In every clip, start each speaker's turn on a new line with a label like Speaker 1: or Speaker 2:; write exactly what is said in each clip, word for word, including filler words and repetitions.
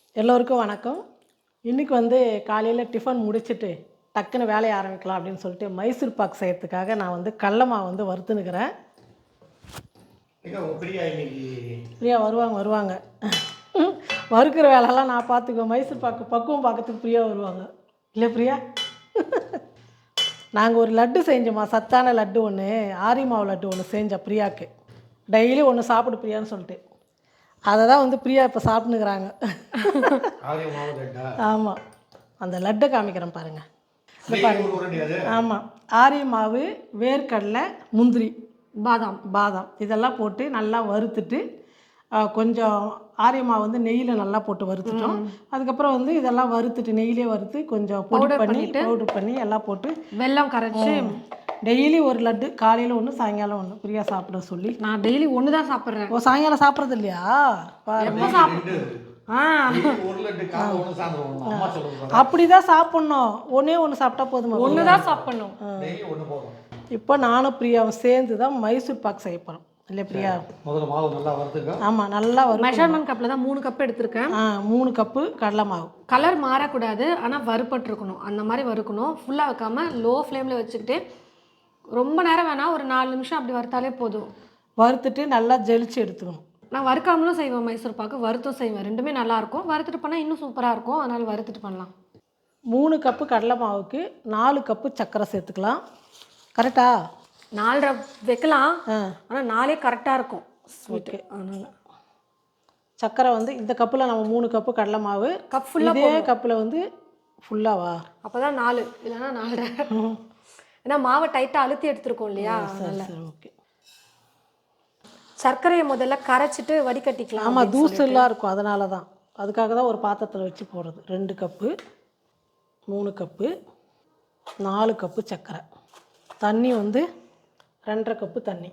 Speaker 1: எல்லோருக்கும் வணக்கம். இன்றைக்கி வந்து காலையில் டிஃபன் முடிச்சுட்டு டக்குன்னு வேலையை ஆரம்பிக்கலாம் அப்படின்னு சொல்லிட்டு மைசூர் பாக் செய்யறதுக்காக நான் வந்து கடல மாவு வந்து வறுத்துனுக்கிறேன். பிரியா வருவாங்க வருவாங்க வறுக்கிற வேலைலாம் நான் பார்த்துக்குவேன். மைசூர் பாக்கு பக்குவம் பார்க்கறதுக்கு பிரியா வருவாங்க. இல்லை பிரியா? நாங்கள் ஒரு லட்டு செஞ்சோம்மா, சத்தான லட்டு ஒன்று, ஆரி மாவு லட்டு ஒன்று செஞ்சோம் பிரியாவுக்கு. டெய்லி ஒன்று சாப்பிடு பிரியான்னு சொல்லிட்டு அதை தான் வந்து பிரியா இப்போ சாப்பிட்டுனுக்குறாங்க. ஆமாம், அந்த லட்டை காமிக்கிறேன் பாருங்கள். இந்த பாருங்க. ஆமாம், ஆரிய மாவு, வேர்க்கடலை, முந்திரி, பாதாம் பாதாம் இதெல்லாம் போட்டு நல்லா வறுத்துட்டு கொஞ்சம் ஆரிய மாவு வந்து நெய்யில் நல்லா போட்டு வறுத்துட்டோம். அதுக்கப்புறம் வந்து இதெல்லாம் வறுத்துட்டு நெய்யிலே வறுத்து கொஞ்சம் பொடி பண்ணி பவுடர் பண்ணி எல்லாம் போட்டு
Speaker 2: வெல்லம் கரைச்சி
Speaker 1: டெய்லி ஒரு லட்டு, காலையில் ஒன்று சாயங்காலம் ஒன்று பிரியா சாப்பிட சொல்லி.
Speaker 2: நான் டெய்லி ஒன்று தான் சாப்பிட்றேன்.
Speaker 1: ஓ, சாயங்காலம் சாப்பிட்றது இல்லையா? அப்படிதான் சாப்பிட்ணும். ஒன்றே ஒன்று சாப்பிட்டா போதுமா?
Speaker 2: ஒன்று தான் சாப்பிட்ணும்.
Speaker 1: இப்போ நானும் பிரியாவும் சேர்ந்து தான் மைசூர் பாக் செய்ய போகிறோம். இல்லை பிரியா?
Speaker 3: முதல்ல மாவு நல்லா வறுத்துங்க.
Speaker 1: ஆமாம், நல்லா வறு.
Speaker 2: மெஷர்மெண்ட் கப்பில் தான் மூணு கப்பு எடுத்திருக்கேன்.
Speaker 1: ஆ, மூணு கப்பு கடலை மாவு.
Speaker 2: கலர் மாறக்கூடாது, ஆனால் வறுப்பட்டுருக்கணும். அந்த மாதிரி வறுக்கணும். ஃபுல்லாக வைக்காமல் லோ ஃப்ளேமில் வச்சுக்கிட்டு ரொம்ப நேரம் வேணால் ஒரு நாலு நிமிஷம் அப்படி வறுத்தாலே போதும்.
Speaker 1: வறுத்துட்டு நல்லா ஜெலிச்சு எடுத்துக்கணும்.
Speaker 2: நான் வறுக்காமலும் செய்வேன் மைசூர் பாக்கு, வறுத்தும் செய்வேன். ரெண்டுமே நல்லாயிருக்கும். வறுத்துட்டு பண்ணால் இன்னும் சூப்பராக இருக்கும். அதனால் வறுத்துட்டு பண்ணலாம்.
Speaker 1: மூணு கப்பு கடலை மாவுக்கு நாலு கப்பு சர்க்கரை சேர்த்துக்கலாம். கரெக்டா?
Speaker 2: நாலரை வைக்கலாம், ஆனால் நாலே கரெக்டாக இருக்கும்.
Speaker 1: ஓகே. அதனால் சர்க்கரை வந்து இந்த கப்பில் நம்ம மூணு கப்பு கடலை மாவு,
Speaker 2: கப் ஃபுல்லாக
Speaker 1: இதே கப்பில் வந்து ஃபுல்லாவா?
Speaker 2: அப்போ தான் நாலு, இல்லைன்னா நாலரை. ஏன்னா மாவை டைட்டாக அழுத்தி எடுத்துருக்கோம் இல்லையா?
Speaker 1: சரி சரி, ஓகே.
Speaker 2: சர்க்கரையை முதல்ல கரைச்சிட்டு வடிகட்டிக்கலாம்.
Speaker 1: ஆமாம், தூசெல்லாம் இருக்கும், அதனால தான். அதுக்காக தான் ஒரு பாத்திரத்தில் வச்சு போடுறது. ரெண்டு கப்பு, மூணு கப்பு, நாலு கப்பு சர்க்கரை. தண்ணி வந்து ரெண்டரை கப்பு தண்ணி.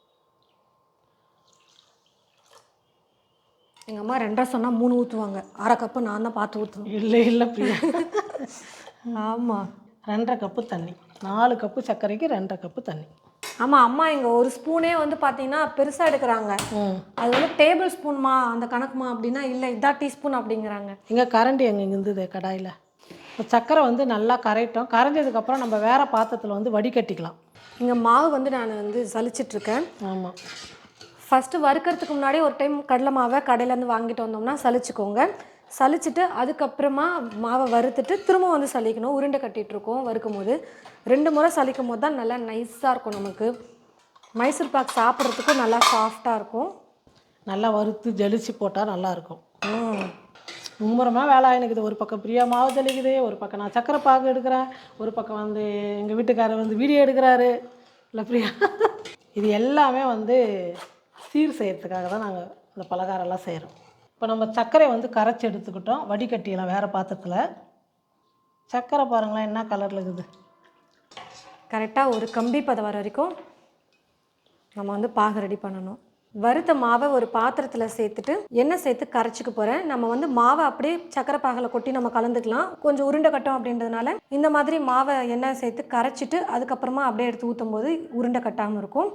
Speaker 2: எங்கள் அம்மா ரெண்டரை சொன்னால் மூணு ஊற்றுவாங்க. அரை கப்பு நான் தான் பார்த்து ஊற்றுவேன்.
Speaker 1: இல்லை இல்லை பிரியா.
Speaker 2: ஆமாம்,
Speaker 1: ரெண்டரை கப்பு தண்ணி. நாலு கப்பு சர்க்கரைக்கு ரெண்டரை கப்பு தண்ணி.
Speaker 2: ஆமாம், அம்மா இங்கே ஒரு ஸ்பூனே வந்து பார்த்தீங்கன்னா பெருசாக எடுக்கிறாங்க. அது வந்து டேபிள் ஸ்பூன்மா அந்த கணக்குமா அப்படின்னா இல்லை, இதான் டீஸ்பூன் அப்படிங்கிறாங்க.
Speaker 1: இங்கே கரண்டி எங்கே இருந்தது கடாயில். சர்க்கரை வந்து நல்லா கரைட்டோம். கரைஞ்சதுக்கப்புறம் நம்ம வேறு பாத்திரத்தில் வந்து வடிகட்டிக்கலாம்.
Speaker 2: இங்கே மாவு வந்து நான் வந்து சலிச்சிட்ருக்கேன்.
Speaker 1: ஆமாம்,
Speaker 2: ஃபஸ்ட்டு வறுக்கிறதுக்கு முன்னாடி ஒரு டைம் கடலை மாவை கடையிலேருந்து வாங்கிட்டு வந்தோம்னா சலிச்சுக்கோங்க. சலிச்சுட்டு அதுக்கப்புறமா மாவை வறுத்துட்டு திரும்ப வந்து சலிக்கணும். உருண்டை கட்டிகிட்ருக்கோம் வறுக்கும் போது. ரெண்டு முறை சலிக்கும் போது தான் நல்லா நைஸாக இருக்கும். நமக்கு மைசூர் பாக் சாப்பிட்றதுக்கும் நல்லா சாஃப்டாக இருக்கும்.
Speaker 1: நல்லா வறுத்து ஜலிச்சு போட்டால் நல்லாயிருக்கும். மும்முரமாக வேலை ஆகினுக்குது. ஒரு பக்கம் பிரியா மாவு ஜலிக்குது, ஒரு பக்கம் நான் சக்கரை பாகு எடுக்கிறேன், ஒரு பக்கம் வந்து எங்கள் வீட்டுக்காரர் வந்து வீடியோ எடுக்கிறாரு. இல்லை பிரியா? இது எல்லாமே வந்து சீர் செய்கிறதுக்காக தான் நாங்கள் இந்த பலகாரம்லாம் செய்கிறோம். இப்போ நம்ம சர்க்கரையை வந்து கரைச்சி எடுத்துக்கிட்டோம். வடிகட்டியெல்லாம் வேறு பாத்திரத்தில். சர்க்கரை பாருங்களேன் என்ன கலரில் இருக்குது.
Speaker 2: கரெக்டாக ஒரு கம்பி பதம் வர வரைக்கும் நம்ம வந்து பாகு ரெடி பண்ணணும். வறுத்த மாவை ஒரு பாத்திரத்தில் சேர்த்துட்டு எண்ணெய் சேர்த்து கரைச்சிக்க போகிறேன். நம்ம வந்து மாவை அப்படியே சக்கரை பாகில் கொட்டி நம்ம கலந்துக்கலாம். கொஞ்சம் உருண்டை கட்டும் அப்படின்றதுனால இந்த மாதிரி மாவை எண்ணெய் சேர்த்து கரைச்சிட்டு அதுக்கப்புறமா அப்படியே எடுத்து ஊற்றும் போது உருண்டை கட்டாமல் இருக்கும்.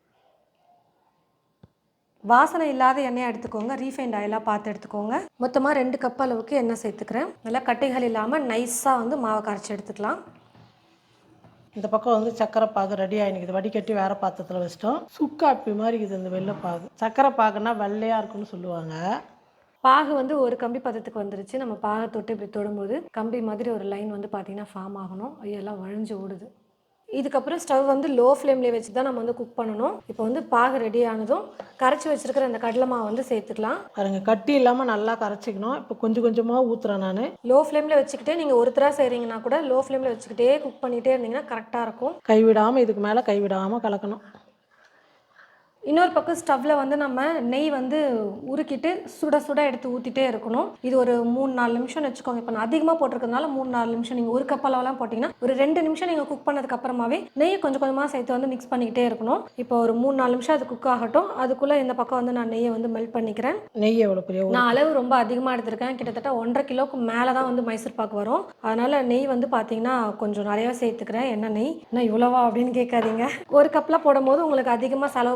Speaker 2: வாசனை இல்லாத எண்ணெயை எடுத்துக்கோங்க. ரீஃபைண்ட் ஆயிலாக பார்த்து எடுத்துக்கோங்க. மொத்தமாக ரெண்டு கப் அளவுக்கு எண்ணெய் சேர்த்துக்கிறேன். நல்லா கட்டைகள் இல்லாமல் நைஸாக வந்து மாவை கரைச்சி எடுத்துக்கலாம்.
Speaker 1: இந்த பக்கம் வந்து சக்கரை பாகு ரெடி ஆகினுக்குது. வடிகட்டி வேறு பாத்திரத்தில் வச்சிட்டோம். சுக்காப்பி மாதிரி இருக்குது இந்த வெள்ளை பாகு. சக்கரை பாகுன்னா வெள்ளையாக இருக்குன்னு சொல்லுவாங்க.
Speaker 2: பாகு வந்து ஒரு கம்பி பதத்துக்கு வந்துருச்சு. நம்ம பாகை தொட்டு இப்படி தொடும்போது கம்பி மாதிரி ஒரு லைன் வந்து பார்த்திங்கன்னா ஃபார்ம் ஆகணும். ஐயெல்லாம் வழிஞ்சு ஓடுது. இதுக்கப்புறம் ஸ்டவ் வந்து லோ ஃப்ளேம்லேயே வச்சு தான் நம்ம வந்து குக் பண்ணணும். இப்போ வந்து பாகு ரெடி ஆனதும் கரைச்சி வச்சுருக்கிற அந்த கடலை மாவு வந்து சேர்த்துக்கலாம்.
Speaker 1: பாருங்க, கட்டி இல்லாமல் நல்லா கரைச்சிக்கணும். இப்போ கொஞ்சம் கொஞ்சமாக ஊற்றுறேன் நான்.
Speaker 2: லோ ஃப்ளேமில் வச்சுக்கிட்டே நீங்கள் ஒருத்தராக செய்கிறீங்கன்னா கூட லோ ஃப்ளேமில் வச்சுக்கிட்டே குக் பண்ணிகிட்டே இருந்தீங்கன்னா கரெக்டாக இருக்கும்.
Speaker 1: கைவிடாமல், இதுக்கு மேலே கைவிடாமல் கலக்கணும்.
Speaker 2: இன்னொரு பக்கம் ஸ்டவ்வில் வந்து நம்ம நெய் வந்து உருக்கிட்டு சுட சுட எடுத்து ஊற்றிட்டே இருக்கணும். இது ஒரு மூணு நாலு நிமிஷம்னு வச்சுக்கோங்க. இப்போ நான் அதிகமாக போட்டிருக்கிறதுனால மூணு நாலு நிமிஷம். நீங்கள் ஒரு கப் அளவுலாம் போட்டிங்கன்னா ஒரு ரெண்டு நிமிஷம் நீங்கள் குக் பண்ணதுக்கு அப்புறமாவே நெய் கொஞ்சம் கொஞ்சமாக சேர்த்து வந்து மிக்ஸ் பண்ணிக்கிட்டே இருக்கணும். இப்போ ஒரு மூணு நாலு நிமிஷம் அது குக் ஆகட்டும். அதுக்குள்ளே இந்த பக்கம் வந்து நான் நெய்யை வந்து மெல்ட் பண்ணிக்கிறேன்.
Speaker 1: நெய் எவ்வளோ பெரிய?
Speaker 2: நான் அளவு ரொம்ப அதிகமாக எடுத்திருக்கேன். கிட்டத்தட்ட ஒன்றரை கிலோவுக்கு மேலே தான் வந்து மைசூர் பாக்கு வரும். அதனால் நெய் வந்து பார்த்தீங்கன்னா கொஞ்சம் நிறையா சேர்த்துக்கிறேன். என்ன நெய் என்ன இவ்வளோவா அப்படின்னு கேட்காதீங்க. ஒரு கப்பில் போடும்போது உங்களுக்கு அதிகமாக செலவு பண்ணுற மாதிரி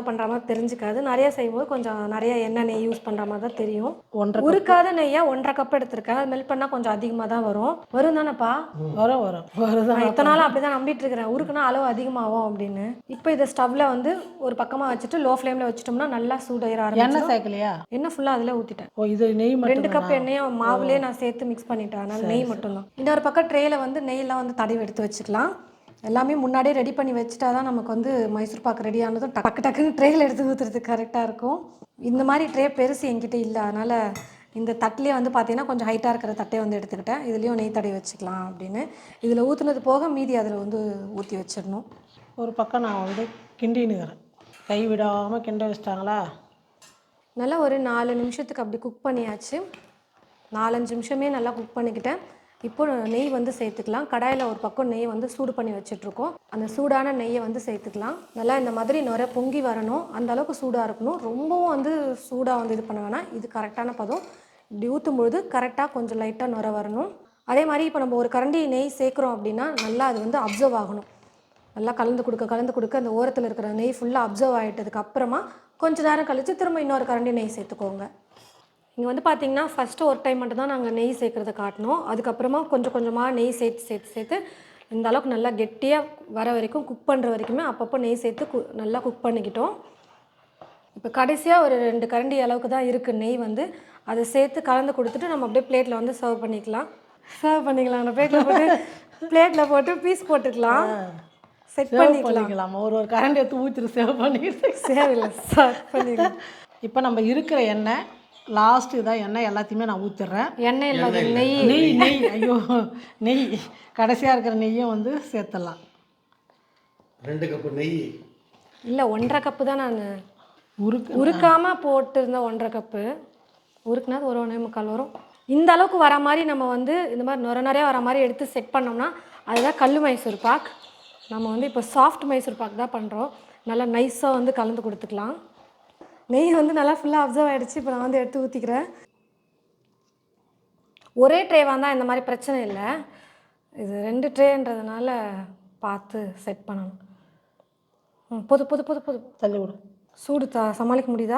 Speaker 2: மாதிரி தெரிஞ்சுக்காது. நிறைய செய்யும்போது கொஞ்சம் நிறைய எண்ணெய் நெய் யூஸ் பண்ணுற மாதிரி தான் தெரியும்.
Speaker 1: ஒன்றரை
Speaker 2: உருக்காத நெய்யா ஒன்றரை கப் எடுத்திருக்கேன். அது மெல்ட் பண்ணால் கொஞ்சம் அதிகமாக தான் வரும். வரும் தானேப்பா?
Speaker 1: வரும் வரும் வருதான்.
Speaker 2: நான் இத்தனை நாள் அப்படி தான் நம்பிட்டு இருக்கிறேன், உருக்குனா அளவு அதிகமாகும் அப்படின்னு. இப்போ இதை ஸ்டவ்வில் வந்து ஒரு பக்கமாக வச்சுட்டு லோ ஃப்ளேமில் வச்சுட்டோம்னா நல்லா சூடாயிர ஆரம்பிச்சு.
Speaker 1: எண்ணெய் சேர்க்கலையா?
Speaker 2: எண்ணெய் ஃபுல்லாக அதில் ஊற்றிட்டேன்.
Speaker 1: ஓ இது நெய் மட்டும்?
Speaker 2: ரெண்டு கப் எண்ணெயும் மாவுலேயே நான் சேர்த்து மிக்ஸ் பண்ணிட்டேன். அதனால நெய் மட்டும்தான். இன்னொரு பக்கம் ட்ரேயில் வந்து நெய்லாம் வந்து தடவி எடுத்து வச்சுக்கலாம். எல்லாமே முன்னாடியே ரெடி பண்ணி வச்சுட்டா தான் நமக்கு வந்து மைசூர் பாக்கு ரெடி ஆனதும் டக்கு டக்குன்னு ட்ரேயில் எடுத்து ஊற்றுறதுக்கு கரெக்டாக இருக்கும். இந்த மாதிரி ட்ரே பெருசு என்கிட்ட இல்லை, அதனால் இந்த தட்டிலே வந்து பார்த்தீங்கன்னா கொஞ்சம் ஹைட்டாக இருக்கிற தட்டே வந்து எடுத்துக்கிட்டேன். இதுலேயும் நெய் தடவி வச்சுக்கலாம் அப்படின்னு. இதில் ஊற்றுனது போக மீதி அதில் வந்து ஊற்றி வச்சிடணும்.
Speaker 1: ஒரு பக்கம் நான் வந்து கிண்டினுக்கிறேன், கை விடாமல் கிண்ட வச்சிட்டாங்களா.
Speaker 2: நல்லா ஒரு நாலு நிமிஷத்துக்கு அப்படி குக் பண்ணியாச்சு. நாலஞ்சு நிமிஷமே நல்லா குக் பண்ணிக்கிட்டேன். இப்போ நெய் வந்து சேர்த்துக்கலாம். கடாயில் ஒரு பக்கம் நெய் வந்து சூடு பண்ணி வச்சுட்ருக்கோம். அந்த சூடான நெய்யை வந்து சேர்த்துக்கலாம். நல்லா இந்த மாதிரி நிறைய பொங்கி வரணும், அந்த அளவுக்கு சூடாக இருக்கணும். ரொம்பவும் வந்து சூடாக வந்து இது பண்ண வேணாம். இது கரெக்டான பதம். இப்படி ஊற்றும் பொழுது கரெக்டாக கொஞ்சம் லைட்டாக நுர வரணும். அதே மாதிரி இப்போ நம்ம ஒரு கரண்டி நெய் சேர்க்குறோம் அப்படின்னா நல்லா அது வந்து அப்சர்வ் ஆகணும். நல்லா கலந்து கொடுக்க கலந்து கொடுக்க அந்த ஓரத்தில் இருக்கிற நெய் ஃபுல்லாக அப்சர்வ் ஆகிட்டதுக்கு அப்புறமா கொஞ்சம் நேரம் கழித்து திரும்ப இன்னொரு கரண்டி நெய் சேர்த்துக்கோங்க. இங்கே வந்து பார்த்திங்கன்னா ஃபஸ்ட்டு ஒரு டைம் மட்டும் தான் நாங்கள் நெய் சேர்க்குறத காட்டினோம். அதுக்கப்புறமா கொஞ்சம் கொஞ்சமாக நெய் சேர்த்து சேர்த்து சேர்த்து இந்த அளவுக்கு நல்லா கெட்டியாக வர வரைக்கும் குக் பண்ணுற வரைக்குமே அப்பப்போ நெய் சேர்த்து கு நல்லா குக் பண்ணிக்கிட்டோம். இப்போ கடைசியாக ஒரு ரெண்டு கரண்டி அளவுக்கு தான் இருக்குது நெய் வந்து. அதை சேர்த்து கலந்து கொடுத்துட்டு நம்ம அப்படியே பிளேட்டில் வந்து சர்வ் பண்ணிக்கலாம். சர்வ் பண்ணிக்கலாம் அந்த பிளேட்டில் போட்டு பிளேட்டில் போட்டு பீஸ் போட்டுக்கலாம், செட் பண்ணிக்கலாம்.
Speaker 1: ஒரு ஒரு கரண்டி எடுத்து ஊற்றிட்டு சேவ் பண்ணிட்டு
Speaker 2: சேவில்லை சர்வ் பண்ணிக்கலாம்.
Speaker 1: இப்போ நம்ம இருக்கிற எண்ணெய் லாஸ்ட்டு இதான் எண்ணெய் எல்லாத்தையுமே நான் ஊற்றிடுறேன்.
Speaker 2: எண்ணெய் இல்லாத நெய்
Speaker 1: நெய் நெய் ஐயோ நெய் கடைசியாக இருக்கிற நெய்யும் வந்து சேர்த்துடலாம்.
Speaker 3: ரெண்டு கப்பு நெய்
Speaker 2: இல்லை ஒன்றரை கப்பு தான் நான்
Speaker 1: உருக்கு
Speaker 2: உருக்காமல் போட்டுருந்தேன். ஒன்றரை கப்பு உருக்குனா ஒரு ஒன்றே முக்கால் வரும். இந்த அளவுக்கு வர மாதிரி நம்ம வந்து இந்த மாதிரி நுர நிறையா வர மாதிரி எடுத்து செட் பண்ணோம்னா அதுதான் கல் மைசூர் பாக். நம்ம வந்து இப்போ சாஃப்ட் மைசூர் பாக் தான் பண்ணுறோம். நல்லா நைஸாக வந்து கலந்து கொடுத்துக்கலாம். நெய் வந்து நல்லா ஃபுல்லாக அப்சர்வ் ஆகிடுச்சு. இப்போ நான் வந்து எடுத்து ஊற்றிக்கிறேன். ஒரே ட்ரேவாக தான் இந்த மாதிரி பிரச்சனை இல்லை, இது ரெண்டு ட்ரேன்றதுனால பார்த்து செட் பண்ணணும். ம் பொது பொது பொது பொது
Speaker 1: தள்ளி விடும்.
Speaker 2: சூடு த சமாளிக்க முடியுதா?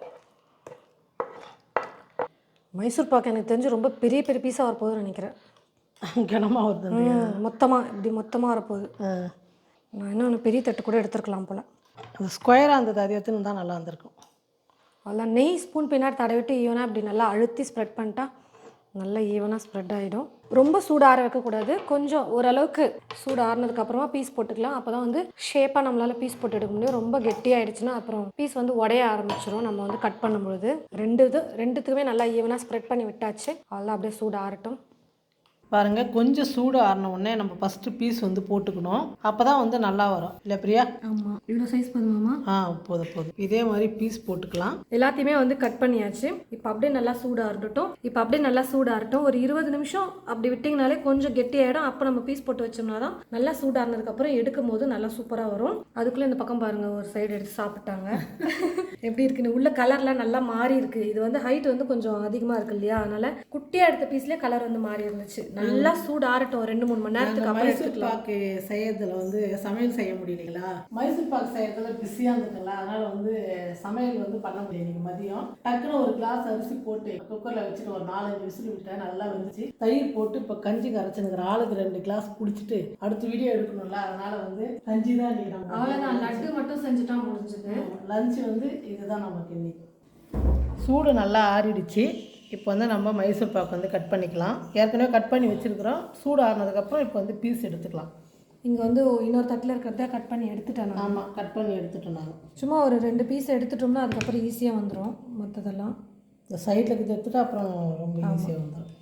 Speaker 2: மைசூர் பாக்கு எனக்கு தெரிஞ்சு ரொம்ப பெரிய பெரிய பீஸாக வரப்போகுதுன்னு நினைக்கிறேன்.
Speaker 1: கனமாக வருது
Speaker 2: மொத்தமாக இப்படி மொத்தமாக வரப்போகுது. நான் இன்னும் ஒன்று பெரிய தட்டு கூட எடுத்துருக்கலாம் போல்.
Speaker 1: அது ஸ்கொயராக இருந்தது, அது எடுத்துன்னு தான் நல்லா இருந்திருக்கும்.
Speaker 2: அதெல்லாம் நெய் ஸ்பூன் பின்னாடி தடவிட்டு ஈவனாக இப்படி நல்லா அழுத்தி ஸ்ப்ரெட் பண்ணிட்டா நல்லா ஈவனாக ஸ்ப்ரெட் ஆகிடும். ரொம்ப சூடு ஆற வைக்கக்கூடாது, கொஞ்சம் ஓரளவுக்கு சூடு ஆறுனதுக்கப்புறமா பீஸ் போட்டுக்கலாம். அப்போ தான் வந்து ஷேப்பாக நம்மளால் பீஸ் போட்டு எடுக்க முடியும். ரொம்ப கெட்டியாகிடுச்சுன்னா அப்புறம் பீஸ் வந்து உடைய ஆரம்பிச்சிடும் நம்ம வந்து கட் பண்ணும்பொழுது. ரெண்டு இது ரெண்டுத்துக்குமே நல்லா ஈவனாக ஸ்ப்ரெட் பண்ணி விட்டாச்சு. அதெல்லாம் அப்படியே சூடு ஆறட்டும்.
Speaker 1: பாருங்கள், கொஞ்சம் சூடு ஆறின உடனே நம்ம ஃபஸ்ட்டு பீஸ் வந்து போட்டுக்கணும். அப்போ தான் வந்து நல்லா வரும் இல்லை பிரியா?
Speaker 2: ஆமாம், இவ்வளோ சைஸ் போதுமாம்மா?
Speaker 1: ஆ போதும் போதும். இதே மாதிரி பீஸ் போட்டுக்கலாம்.
Speaker 2: எல்லாத்தையுமே வந்து கட் பண்ணியாச்சு. இப்போ அப்படியே நல்லா சூடாக இருக்கட்டும். இப்போ அப்படியே நல்லா சூடாக இருக்கட்டும். ஒரு இருபது நிமிஷம் அப்படி விட்டிங்கனாலே கொஞ்சம் கெட்டியாயிடும். அப்போ நம்ம பீஸ் போட்டு வச்சோம்னா தான் நல்லா சூடானதுக்கப்புறம் எடுக்கும் போது நல்லா சூப்பராக வரும். அதுக்குள்ளே இந்த பக்கம் பாருங்கள், ஒரு சைடு எடுத்து சாப்பிட்டாங்க. எப்படி இருக்குன்னு உள்ள கலர்லாம் நல்லா மாறி இருக்குது. இது வந்து ஹைட் வந்து கொஞ்சம் அதிகமாக இருக்கு இல்லையா, அதனால் குட்டியாக எடுத்த பீஸ்லேயே கலர் வந்து மாறி இருந்துச்சு. நல்லா சூடு ஆறட்டும் ரெண்டு மூணு மணி நேரத்துக்கு அப்புறம்.
Speaker 1: மைசூர் பாக்கு செய்யறதுல வந்து சமையல் செய்ய முடியலைங்களா, மைசூர் பாக்கு செய்யறதுல பிஸியாக இருந்துங்களா, அதனால வந்து சமையல் வந்து பண்ண முடியும். இன்னைக்கு மதியம் டக்குன்னு ஒரு கிளாஸ் அரிசி போட்டு குக்கரில் வச்சுட்டு ஒரு நாலஞ்சு விசில் விட்டேன், நல்லா வந்துச்சு. தயிர் போட்டு இப்போ கஞ்சி கரைச்சுனுங்கிற ஆளுக்கு ரெண்டு கிளாஸ் குடிச்சிட்டு அடுத்து வீடியோ எடுக்கணும்ல, அதனால வந்து கஞ்சி தான் இன்னைக்கு நம்ம
Speaker 2: அவ்வளோதான். லட்டு மட்டும் செஞ்சுட்டா முடிஞ்சது.
Speaker 1: லஞ்சு வந்து இதுதான் நமக்கு இன்னைக்கு. சூடு நல்லா ஆறிடுச்சு. இப்போ வந்து நம்ம மைசூர் பாக்கு வந்து கட் பண்ணிக்கலாம். ஏற்கனவே கட் பண்ணி வச்சுருக்குறோம். சூடு ஆறினதுக்கப்புறம் இப்போ வந்து பீஸ் எடுத்துக்கலாம்.
Speaker 2: இங்கே வந்து இன்னொரு தட்டில் இருக்கிறத கட் பண்ணி எடுத்துட்டேன்.
Speaker 1: ஆமாம், கட் பண்ணி எடுத்துட்டோம். நாங்கள் சும்மா
Speaker 2: ஒரு ரெண்டு பீஸ் எடுத்துட்டோம்னா அதுக்கப்புறம் ஈஸியாக வந்துடும். மற்றதெல்லாம்
Speaker 1: இந்த சைடில் இருக்கிறது எடுத்துகிட்டு அப்புறம் ரொம்ப ஈஸியாக வந்துடும்.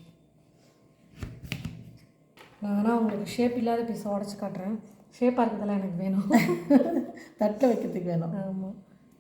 Speaker 2: நான் வேணால் உங்களுக்கு ஷேப் இல்லாத பீஸை உடச்சி காட்டுறேன். ஷேப்பாக இருக்கிறதெல்லாம் எனக்கு வேணும்.
Speaker 1: தட்டில் வைக்கிறதுக்கு வேணும்.
Speaker 2: ஆமாம்.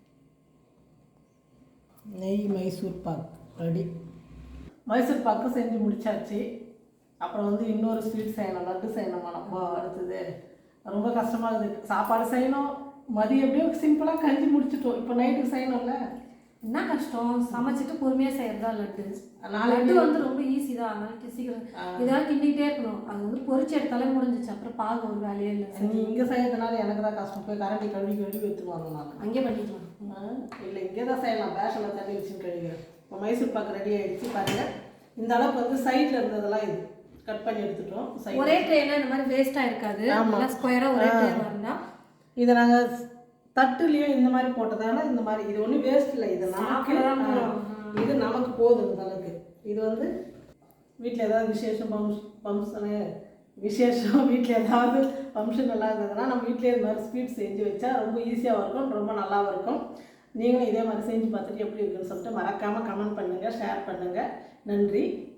Speaker 1: நெய் மைசூர் பாக் ரெடி. மைசூர் பாக்கு செஞ்சு முடிச்சாச்சு. அப்புறம் வந்து இன்னொரு ஸ்வீட் செய்யணும், லட்டு செய்யணும். நம்ம அடுத்தது ரொம்ப கஷ்டமாக இருக்குது. சாப்பாடு செய்யணும், மதியம் எப்படியோ சிம்பிளாக கஞ்சி முடிச்சிட்டோம். இப்போ நைட்டுக்கு செய்யணும்ல.
Speaker 2: என்ன கஷ்டம், சமைச்சிட்டு பொறுமையாக செய்யறதா லட்டு.
Speaker 1: நாளைக்கு
Speaker 2: லட்டு வந்து ரொம்ப ஈஸி தான், அதனால சீக்கிரம் இதெல்லாம் கிண்டிகிட்டே இருக்கணும். அது வந்து பொரிச்சு எடுத்தாலே முடிஞ்சிச்சு, அப்புறம் பாக ஒரு வேலையே இல்லை.
Speaker 1: நீ இங்கே செய்யறதுனால எனக்கு தான் கஷ்டம். போய் கரண்டி கழுவி கழுவி எடுத்துருவாங்க. நான்
Speaker 2: அங்கே பண்ணிக்கலாம்.
Speaker 1: இல்லை இங்கே தான் செய்யலாம். பேஷனில் தண்ணி வச்சுன்னு கழுவிக்கிறேன். இப்போ மைசூர் பாக்கு ரெடி ஆகிடுச்சு பாருங்கள். இந்த அளவுக்கு வந்து சைடில் இருந்ததெல்லாம் இது கட் பண்ணி எடுத்துட்டோம்.
Speaker 2: ஒரே ட்ரேனா இந்த மாதிரி வேஸ்ட்டாக இருக்காது. நல்லா ஸ்கொயராக ஒரே ட்ரே இருந்தால்
Speaker 1: இதை நாங்கள் தட்டுலேயும் இந்த மாதிரி போட்டதால இந்த மாதிரி இது ஒன்றும் வேஸ்ட் இல்லை. இது நமக்கு இது நமக்கு போதும் இந்த அளவுக்கு. இது வந்து வீட்டில் ஏதாவது விசேஷம் ஃபங்க்ஷன் ஃபங்க்ஷனு விசேஷம் வீட்டில் ஏதாவது ஃபங்க்ஷன் எல்லாம் இருந்ததுன்னா நம்ம வீட்டிலே இந்த மாதிரி ஸ்வீட் செஞ்சு வச்சா ரொம்ப ஈஸியாகவும் இருக்கும், ரொம்ப நல்லாவும் இருக்கும். நீங்களும் இதே மாதிரி செஞ்சு பார்த்துட்டு எப்படி இருக்குன்னு சொல்லிட்டு மறக்காமல் கமெண்ட் பண்ணுங்கள், ஷேர் பண்ணுங்கள். நன்றி.